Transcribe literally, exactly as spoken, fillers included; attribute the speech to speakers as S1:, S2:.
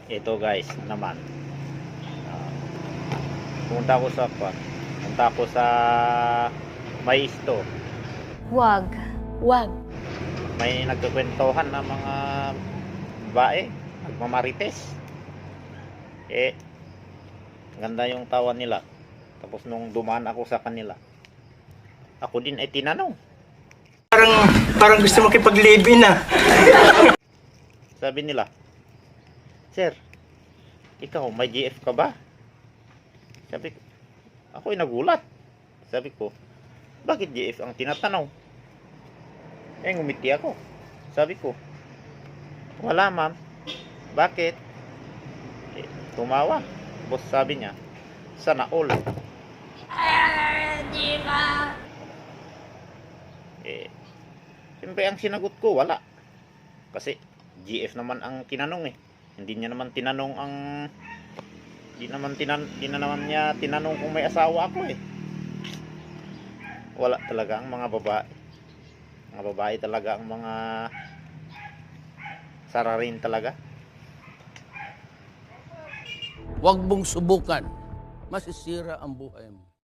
S1: Ito guys naman, uh, pumunta ko sa kwan, punta ko sa may isto.
S2: Wag. Wag.
S1: May nagkukwentuhan na mga babae, nagmamarites. Eh, ganda yung tawa nila. Tapos nung dumaan ako sa kanila, ako din ay tinanong.
S3: Parang, parang gusto makipag-live-in ah.
S1: Sabi nila, "Sir, ikaw may G F ka ba?" Sabi ko, ako ay nagulat. Sabi ko, bakit G F ang tinatanong? Eh, ngumiti ako. Sabi ko, wala ma'am. Bakit? Eh, tumawa. Tapos sabi niya, sana all. Eh, siyempre ang sinagot ko, wala. Kasi G F naman ang tinanong eh. Hindi niya naman tinanong ang Hindi naman tinan di na naman niya tinanong kung may asawa ako eh. Wala talaga ang mga babae. Mga babae talaga ang mga sararin talaga.
S4: Huwag mong subukan. Masisira ang buhay mo.